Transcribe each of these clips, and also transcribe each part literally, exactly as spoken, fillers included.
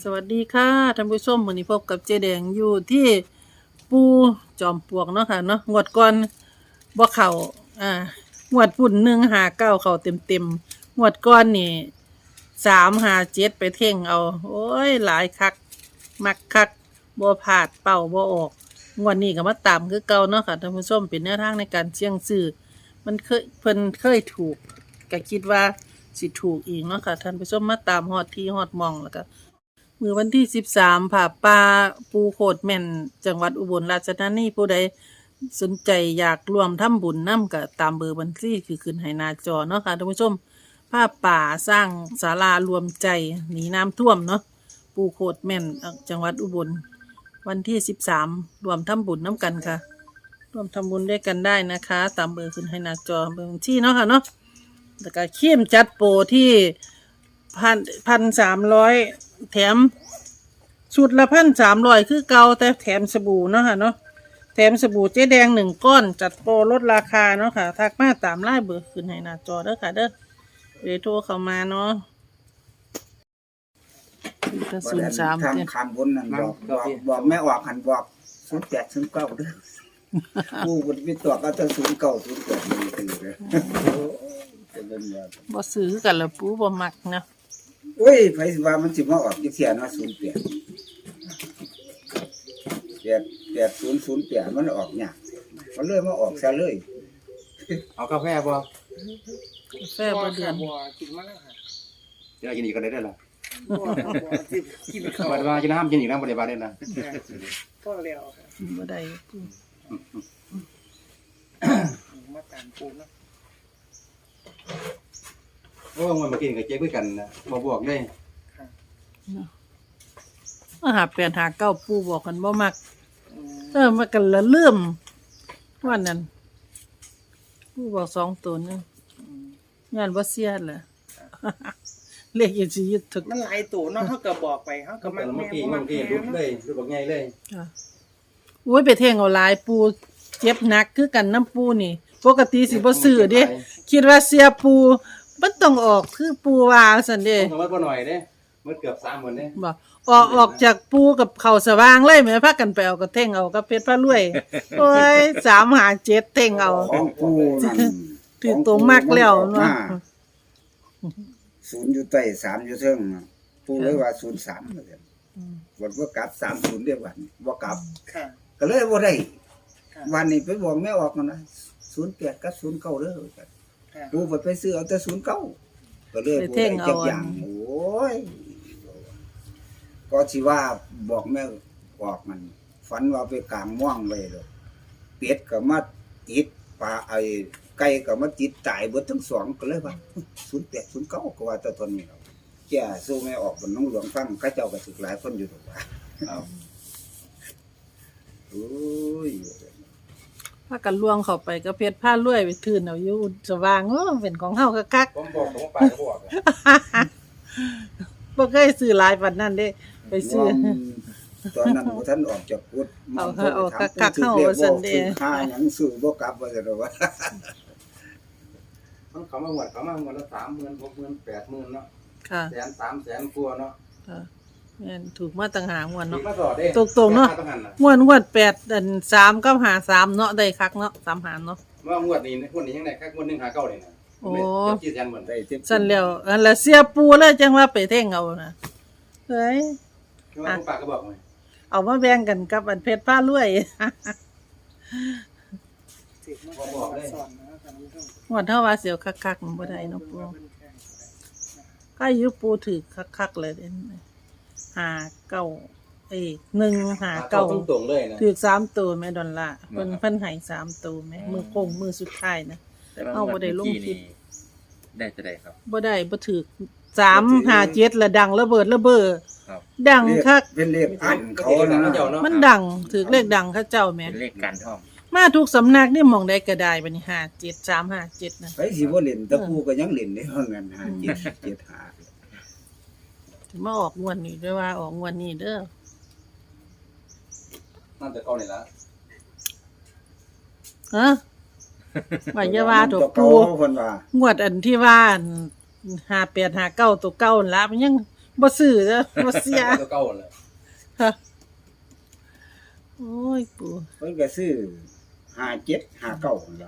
สวัสดีค่ะท่านผู้ชมวันนี้พบกับเจแดงอยู่ที่ปูจอมปลวกเนาะค่ะเนาะงวดก่อนบ่เข้าอ่างวดปุ่นหนึ่งหาเก้าเข้าเต็มเต็มงวดก่อนนี่สามหาเจ็ดไปเท่งเอาโอ้ยหลายคักมักคักบ่พลาดเป่าบ่ออกงวดนี้ก็มาตามคือเก่าเนาะค่ะท่านผู้ชมเป็นแนวทางในการเสี่ยงซื้อมันเคยเพิ่นเคยถูกก็คิดว่าสิถูกอีกเนาะค่ะท่านผู้ชมมาตามฮอดที่ฮอดหม่องแล้วก็มื้อวันที่สิบสามผ่าป่าปูโคดแม่นจังหวัดอุบลราชธานีผู้ใดสนใจอยากร่วมทำบุญนำก็ตามเบอร์บัญชีคือขึ้นให้หน้าจอเนาะค่ะท่านผู้ชมผ้าป่าสร้างศาลารวมใจหนีน้ำท่วมเนาะปูโคดแม่นจังหวัดอุบลวันที่สิบสามรวมทำบุญน้ำกันค่ะร่วมทำบุญด้วยกันได้นะคะตามเบอร์ขึ้นให้หน้าจอเบอร์บัญชีเนาะค่ะเนาะแล้วก็เข้มจัดโปรที่พันพันสามร้อยแถมชุดละพันสามร้อยคือเก่าแต่แถมสบู่เนาะค่ะเนาะแถมสบู่เจ๊แดงหนึ่งก้อนจัดโปรลดราคาเนาะค่ะทักมาตามไลน์เบอร์ขึ้นให้หน้าจอเด้อค่ะเด้อเดี๋ยวโทรเข้ามาเนาะกระสุนสามทางเนี่ยคำบนนั่นบอกบอกบอกแม่ออกหันบอกศูนย์แปดศูนย์เก้าเด้อผู้บนมีตัวก็จะศูนย์เก้าศูนย์แปดมันตื่นเลยเป็นเรื่องยากบ่ซื้อกันละปูบ่มักนะโอ้ยไผสิว่ามันสิมาออกจังซี่เนาะศูนย์แปดแปดแปดศูนย์ศูนย์แปดมันออกยากมันเลยมาออกซะเลยเอากาแฟบ่กาแฟบ่เดือนบัวกินมาแล้วค่ะจะกินอีกก็ได้ได้ล่ะบัวบัวกินกินข้าวบัดว่ากินน้ำกินอีกน้ำบ่ได้บาดได้ล่ะก็แล้วค่ะบ่ได้ปูมาตามปูนะโอ้มันมากินกับเจ๊คุยกันนะบ่บอกเลยค่ะมาหาแปดหาเก้าปูบอกกันบ่มักอืมเออมากันละเลื่อมวันนั้นปูบอกสองตัวนึงงานบ่เสียแหละ เลขอีสิยึดถึกมันหลายตัวเนาะเขาก็บอกไปเขาก็ก็มัมัน นเมื่อแม่กี้บ่มัเมื่นอกี้แม่รุดเลยรุดบักใหญ่เลยจ้ะโอ้ยไปเท่งเอาหลายปูเจ็บหนักคือกันน้ำปูนี่ปกติสิบ่ซื้อเด้คิดว่าเสียปูมันต้องออกคือปูว่าซั่นเด้ต้องวัดบ่หน่อยเด้มันเกือบสามหมื่นเด้บ่ออกออกจากปูกับเขาสว่างเลยแม่พากันไปเอาก็เท่งเอากับเพชรพระรวย โอ้ยสามหาเจ็ดเท่งเอาของผู้นั่นถือตัวมักแล้วเนาะศูนย์อยู่ใต้สามอยู่เทิงผู้เลยว่าศูนย์สามว่าซั่นวันบ่กลับสามศูนย์เด้อวันบ่กลับค่ะก็เลยบ่ได้ค่ะวันนี้ไปบอกแม่ออกกันนะศูนย์แปดกับศูนย์เก้าเด้อค่ะกูไปไปซื้อเอาแต่ศูนย์เก้าก็เลยไปบ่เท่งได้เอาจักอย่างโอ้ยก็สิว่าบอกแม่ออกมัน ฝันว่าไปกลางม่วงไว้เลยเป็ดก็มาติดปลาไอ้ไก่ก็มาติดตายเบิดทั้งสองก็เลยว่าศูนย์แปดศูนย์เก้าก็ว่าแต่ตอนนี้เราแก่สู้แม่ออกบนน้องหลวงฟังเขาเจ้าก็สึกหลายคนอยู่ถูกว่าเอาโอ้ยพากันล่วงเข้าไปกับเพชรพระรวยไปทื่นเอาอยู่สว่างโอ้เป็นของเฮาคักผมบอกผมไปก็บอกๆบ่เคยซื้อหลายปานนั้นเด้ไปซื้อตอนนั้นบ่ทันออกจากกุดเอามันเอาโทรไปถมคักๆผู้เข้าถือว่าซั่นเด้เลขบ่ซื้อค่าหยังซื้อบ่กลับว่าซั่นว่ามันเขามาหวดเขามาหวดละสามหมื่นหกหมื่นแปดหมื่นเนาะค่ะแสนสามแสนกว่าเนาะค่ะแม่นถูกมาต่างหากงวดมีเนาะมาสอดเด้ตรงๆเนาะต้องหันน่ะงวดงวดแปดอันสามกับหาสามเนาะได้คักเนาะสามหาเนาะว่างวดนี้งวดนี้ยังไงครับงวดหนึ่งหาเก้าเลยนะโอ้กี่แสนหมื่นได้เต็มสั่นแล้วอันละเสียปูเลยจังว่าไปเท่งเอานะเฮ้ยคือว่าผู้ปากก็บอกไงเอามาแบ่งกันกับอันเพชรผ้ารวยสิบมาบอกเลยสอนนะครับท่านผู้ชมงวดเท่าว่าเสียวคักๆมันบ่ได้เนาะปูก็อายุปูถือคักๆเลยเด้หาเก้าเอ้ยหนึ่งหาเก้าตรงตรงๆเลยนะถือสามตัวแม่ดอลลาร์เพิ่นเพิ่นให้สามตัวแม่มือโค้งมือสุดท้ายนะแต่ว่าเอาบ่ได้ลงคลิปได้จะได้ครับบ่ได้บ่ถือสามห้าเจ็ดละดังระเบิดระเบ้อครับดังคักเป็นเลขอันเขานะมันดังถือเลขดังเขาเจ้าแม่เป็นเลขการท่องมาทุกสำนักนี่หมองได้ก็ได้บัดนี้ห้าเจ็ด สาม ห้า เจ็ดนะไปสิบ่เล่นแต่ผู้ก็ยังเล่นได้ว่างั้นหาเจ็ดเจ็ดหาถึงมาออกงวดนี้ด้วยว่าออกงวดนี้เด้อนั่นแต่เก้านี่ละฮะว่าอย่าว่าถูกเก่าปูเพิ่นว่างวดอันที่ว่าห้าแปด ห้าเก้าตัวเก่านั่นละมันยังบ่ซื้อเด้อบ่เสียตัวเก่าเลยค่ะโอ้ยปู่เพิ่นก็ซื้อห้าเจ็ดห้าเก้านั่นล่ะ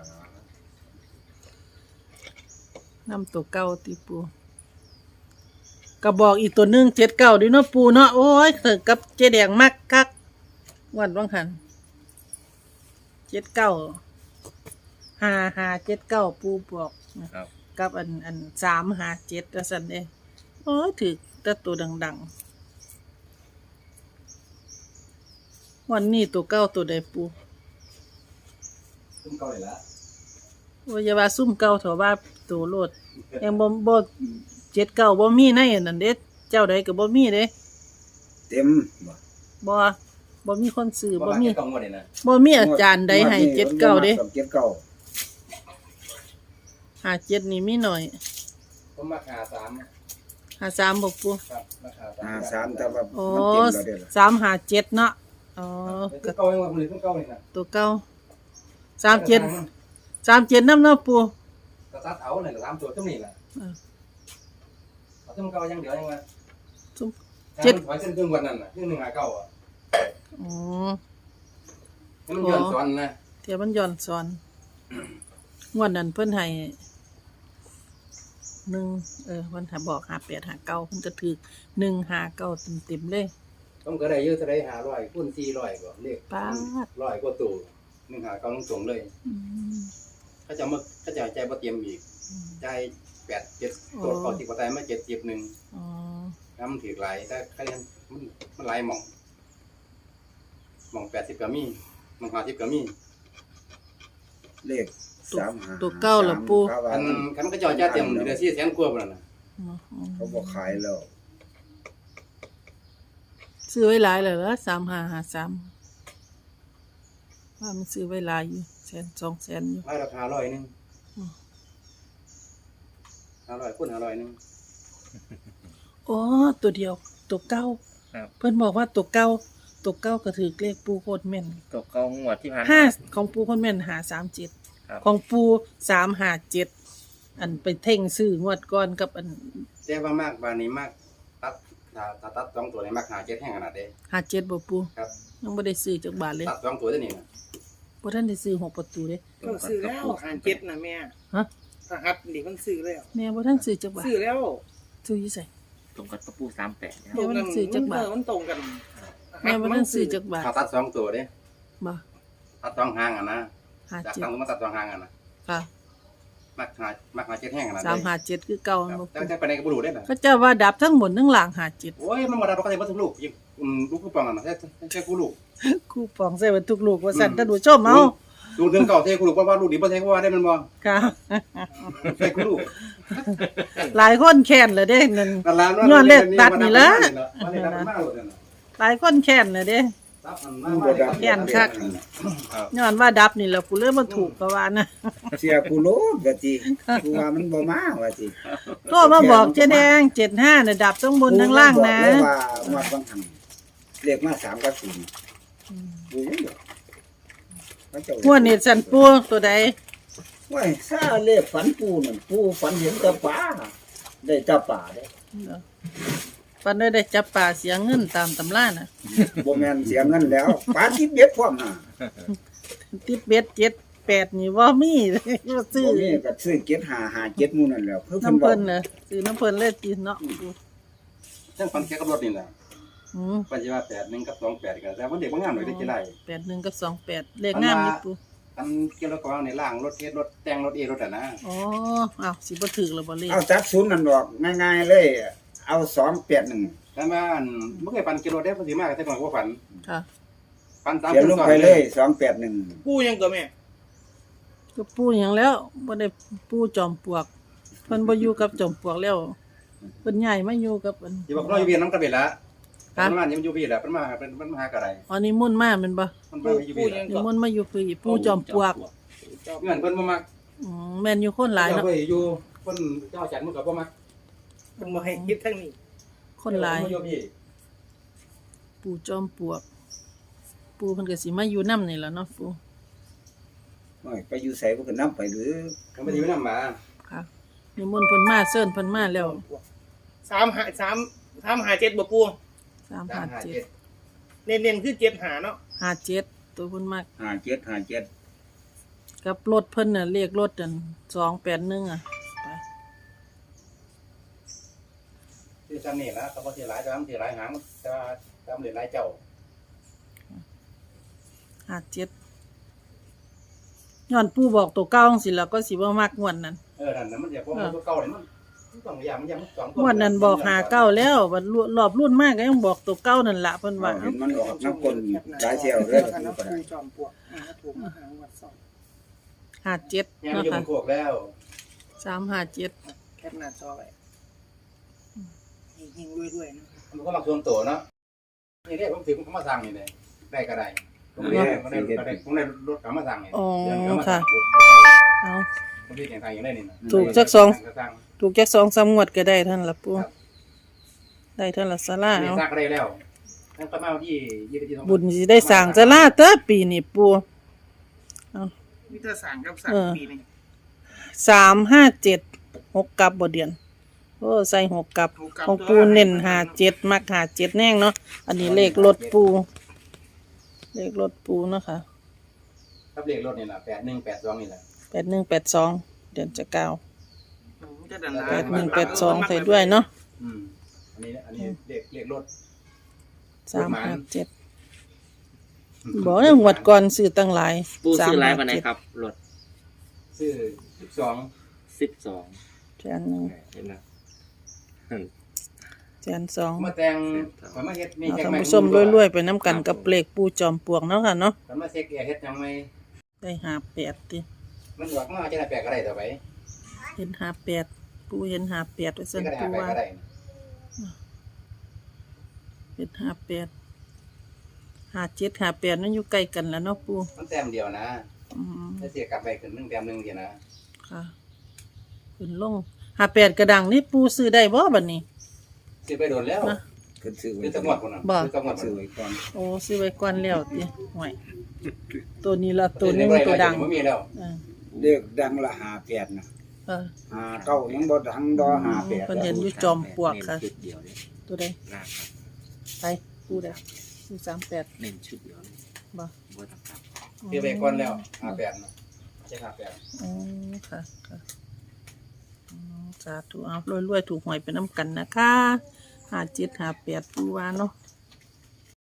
นำตัวเก่าติปู่ก็บอกอีกตัวหนึงเจ็ดเก้าดิเนาะปู่เนาะโอ้ยถึงกับเจ๊แดงมักคักวันว่างหันเจ็ดเก้าห้าห้าเจ็ดเก้าปู่บอกนะครับ กับอันอันสามห้าเจ็ดว่าซั่นเด้โอ้ยถึกแต่ตัวดังๆวันนี้ตัวเก้าตัวใดปู่ตัวเก่าเลยละโอ้ยอย่าว่าซุ่มเก่าเถอะว่าตัวโลดยังบ่บ่เจ็ดเก้าบ่มีในอันนั้นเด้เจ้าใดก็บ่มีเด้เต็มบ่บ่บ่มีคนซื้อบ่บ่มีมีกล่องหมดเลยนะบ่มีอาจารย์ใดให้เจ็ดเก้าเด้เจ็ดเก้าหาเจ็ดนี่มีหน่อยผมมาหาสามหาสามบ่ปู่ครับมาหาสามห้าสามแต่ว่าโอ้มันเต็มแล้วเด้อล่ะสามหาเจ็ดเนาะอ๋อตัก็วเก่ายังว่าคนอื่นตัวเก่าเลยนะตัวเก่าสามเจ็ดสามเจ็ดนำเนาะปู่ก็ตัดเอาเลยสามตัวเท่านี้แหละเออเอาตัวเก่ายังเดียวยังว่าซุ่มเจ็ดถอยเส้นครึ่งวันนั้นน่ะครึ่งหนึ่งหาเก้าอ่ะอ๋อให้มันย้อนซ้อนนะเดี๋ยวมันย้อนสอนงวดนั้นเพิ่นให้หนึ่งเออวันถ้าบอกหาแปดหาเก้าเพิ่นก็ถูกหนึ่งหาเก้าเต็มๆเลยต้องก็ได้เยอะเท่าไรหาร้อยคูณสี่ร้อยก็เลขป๊าดร้อยกว่าตัวหนึ่งหาเก้าต้องส่งเลยอืมเขาจะมาเขาจะใจบ่เตรียมอีกอืมใจแปดเจ็ดตัวก่อนที่บ่ตายมาเจ็ดสิบหนึ่งอ๋อน้ำถือหลายแต่คะแนนมันมันหลายหม่องหม่องแปดสิบก็มีหม่องห้าสิบก็มีเลขสามห้าตัวเก้าล่ะปู่เขาว่าคันมันคันมันก็จ่อยจ้าเต็มเดือนสี่แสนกว่าพุ่นน่ะอ๋ออ๋อเขาบ่ขายแล้วซื้อไว้หลายเลยเหรอสามห้าห้าสามว่ามันซื้อไว้หลายอยู่แสนสองแสนอยู่รายราคาร้อยหนึงอืมห้าร้อยคูณห้าร้อยหนึงอ๋อตัวเดียวตัวเก้าครับเพิ่นบอกว่าตัวเก้าตัวเก้าก็ถือเลขปูโคตรแม่นตกเก้างวดที่ผ่านห้าของปูโคตรแม่นหาสามเจ็ดครับของปูสามหาเจ็ดอันไปเท่งซื้องวดก่อนกับอันแต่ว่ามากบานนี้มากตัดถ้าถ้าตัดสองตัวนี่มากหาเจ็ดแห้งขนาดเด้หาเจ็ดบ่ปูครับยังบ่ได้ซื้อจักบาทเลยตัดสองตัวตัวนี้นะบ่ทันได้ซื้อหกประตูเด้ก็ซื้อแล้วหารเจ็ดนะแม่ฮะทหัสนี่มันซื้อแล้วแม่บ่ทันซื้อจักบาทซื้อแล้วซื้ออยู่ไสตรงกับตะปูสามแปดนะคแม่รับบ่ทันซื้อจักบาทมันตรงกันแม่บ่ทันซื้อจักบาทถ้าตัดสองตัวเด้บ่ตัดสองหางอ่ะนะหาจากเจ็ดตั้งตัวมาตัดสองหางอ่ะนะค่ะมากหามากหาเจ็ดแห้งขนาดสามหาเจ็ดคือเก่าครับบ่แต่ปูแต่ไปไหนก็บ่รู้ได้น่ะก็เจ้าว่าดับทั้งหมดทั้งหลังหาเจ็ดโอ้ยมันบ่ได้บ่เข้าใจบ่ทุกลูกยิงอืมลูกผู้ปองอ่ะนะแค่แค่ผู้ลูกคู่ปองใส่ไว้ทุกลูกว่าสั่นท่านผู้ชมเอาลูกถึงเก่าเทผู้ลูกว่าว่าลูกดีบ่เทว่าได้มันบ่ค่ะใช่ผู้ลูกหลายคนแค้นเลยเด้นั่นนั่นล่ะย้อนเลขตัดนี่ล่ะว่าเลขตัดมันมาโลดนั่นน่ะหลายคนแค้นเลยเด้ตัดมันมามาแค้นคัก ย้อนว่าดับนี่แหละกูเลยบ่ถูกก็ว่านะเสียกูโลดว่าติกูว่ามันบ่มาว่าติโทรมาบอกเจ๊แดงเจ็ดห้าน่ะดับทั้งบนทั้งล่างนะกูบอกเลยว่าวัดบางหันเลขมาสามกับศูนย์กูยังบอกเขาเจ้าหัวเน็ตสันปูตัวใดว้ายซาเลขฝันปูนั่นปูฝันเห็นแตะป่าได้แตะป่าเด้ปันได้ได้จับป่าเสียเงินตามตำราน่ะบ่แม่นเสียเงินแล้วป่าที่เบ็ดพร้อมน่ะติดเบ็ดเจ็ดแปดนี่ว่ามี บ่ซื้อบ่มีก็ซื้อเจ็ดห้าห้าเจ็ดหมู่นั่นแหล้วคือเพิ่นน้ำบอเพิ่กนน่ะซื้อน้ำเพิ่นเลยติเนาะจังฝันแค่กับรถนี่แหละอืมปัจจุบันแปดหนึ่งกับสองแปดกันแต่ว่าเด็กบางงานหน่อยได้กี่ไรแปดหนึ่งกับสองแปดเลขงามนี่ปูอันเกี่ยวกับกองในล่างรถเทสรถแต่งรถเอรถอ่ะนะอ๋ออ้าวสิบ่ถึกแล้วบ่เลขเอาตัดศูนย์นั่นออกง่ายๆเลย เอาสองแปดหนึ่งแล้วมาอันเมื่อไงปันกิโลได้ภาษีมากแต่ก่อนว่าฝันค่ะปันสามเขียนลงไปเลยสองแปดหนึ่งกู้ยังก็แม่ก็ปูหยังแล้วบ่ได้ปูจอมปลวกเพิ่นบ่อยู่กับจอมปลวกแล้วเพิ่นย้ายมาอยู่กับอันอยู่บอกเราอยู่เวียนน้ำกระเบ็ดละมันมาเนี่ยมันอยู่เวียนละมันมาเป็นมันมาหากระไรอ๋อนี่มุ่นต์มาแม่นบ่มันมาอยู่เวียนละนี่มุ่นต์มาอยู่คือปูจอมปลวกเงินเพิ่นบ่มักอืมแม่นอยู่คนหลายเจ้าเนาะเพิ่นอยู่เพิ่นเจ้าจันทร์มันก็บ่มักมันบ่ให้คิดทั้งนี้คนหลายอยู่พี่ปูจอมปลวก ปูเพิ่นก็สิมาอยู่นํนี่ล่ะเนาะปูโอ้ยไปอยู่ใส่พวกกันน้ำไปหรือเขาไม่ได้อยู่นำมาค่ะนี่มุ่นต์เพิ่นมาเชิญเพิ่นมาแล้วสามหาสามถามหาเจ็ดบ่ปูสามสาห้ามห้าเจ็เจ็ดดเน้นๆคือเจ็ดหาเนาะห้าเจ็ดตัวเพิ่นมักห้าเจ็ดห้าเจ็ดกับรถเพิ่นน่ะเลขรถอันสองแปดหนึ่งอ่ะไปคือซ้ำนี่ละเขาบอกที่หลายซ้ำที่หลายหางจะซ้ำเหลือหลายเจ้าห้าเจ็ดย้อนปู่บอกตัวเก้าจังสิแล้วก็สิบ่มักงวดนั้นเออนั่นน่ะมันจะพวกมันตัวเก่าเนี่ยมันมันต้องอย่างมันยังมันสองงวดนั้นบอกหาเก้าแล้วบัดรอบรุ่นมากก็ยังบอกตัวเก้านั่นล่ะเพิ่นว่าเห็นมันออกน้ำกลนหลายเที่ยวเลยกันก็นะได้ปูจอมปลวกอ่าถูกมาหาวัดสองห้าเจ็ดยังเนาะอยู่บค่ะนโคกแล้วสามห้าเจ็ดแคปหน้าจอไว้หิงๆรวยๆนะมันก็มาส่วนตัวเนาะนี่เรียกผมถือผมมาสั่งนี่เลยได้ก็ได้ผมได้ผมได้ผมได้ผมได้รถกลับมาสั่งนี่อ๋อเดี๋ยวกลับมาสั่ค่ะงเอาผมที่แข่งทางอย่างได้นี่นะถูกจักสองสั่งถูกจักสองสามงวดก็ได้เท่านนล่ะปู่ได้เท่านละศาลานี่เอาสร้างก็ได้แล้วนั่นก็มาวันที่ยี่สิบยี่สิบบุญสิได้สร้างศาลาเด้อปีนี้ปู่เอามิตรสารกับสารเออปีนี่สามห้าเจ็ดหกกับบ่เดือนโอ้ใส่หกกับของปูเน้นห้าเจ็ดมักห้าเจ็ดแน่งเนาะอันนี้เลขรถปูเลขรถปูเนาะค่ะครับเลขรถนี่แหละแปดหนึ่งแปดสองนี่แหละแปดหนึ่งแปดสองเดือนจะเก้ามิตรดันดาแปดหนึ่งแปดสองใส่ด้วยเนาะอืมอันนี้อันนี้เลขเลขรถสามห้าเจ็ดบอกเรื่องหวดก่อนซื้อตั้งหลายปูซื้อไลฟ์สามห้าวันไหนเจ็ดครับรถซื้อสิบสองสิบสองแสนหนึ่งเห็นไหมแสนสองมาแต่งข่อยมาเฮ็ดนี่เอาแจ็คท่านแม่ผู้ชมรวยๆไปน้ำกันกับเลขปูจอมปลวกเนาะค่ะเนาะข่อยมาเช็คแอร์เฮ็ดยังไม่ได้หาแปดติมันบอกมาจะได้แปลกอะไรต่อไปเห็นหาแปดปูเห็นหาแปดไว้จะสั่นได้ปูหาแปลกว่าอะไรเห็นหาแปดหาเจ็ดหาแปดนั่นอยู่ใกล้กันแล้วเนาะปูมันแต้มเดียวนะอืมถ้าเสียกลับไปขึ้นหนึ่งแต้มหนึ่งเดียวนะค่ะขึ้นลงหาแปดกระดังนี่ปูซื้อได้บ่บัดนี้ซื้อไปโดนแล้วนะขึ้นซื้อไว้ซื้อตะงวดคนนั้นบ่ซื้อตะงวดซื้อไว้ก่อนโอ้ซื้อไว้ก่อนแล้วติห่วยตัวนี้ละตัวหนึงตัวดังไม่มีแล้วเออเรียกดังละหาแปดนะเออหาเก้ายังบ่ดังดอหาแปดเพิ่นเห็นอยู่จอมปลวกค่ะเน้นชุดเดียวเลยตัวใดล่างครับไปปูได้ซื้อสามแปดเน้นชุดเดียวเลยบ่บ่ต้องกลับซื้อไปก่อนแล้วหาแปดนะใช่หาแปดอ๋อค่ะค่ะอ๋อสาธุเอารวยๆถูกหวยไปน้ำกันนะคะห้าเจ็ดห้าแปดปูว่าเนาะ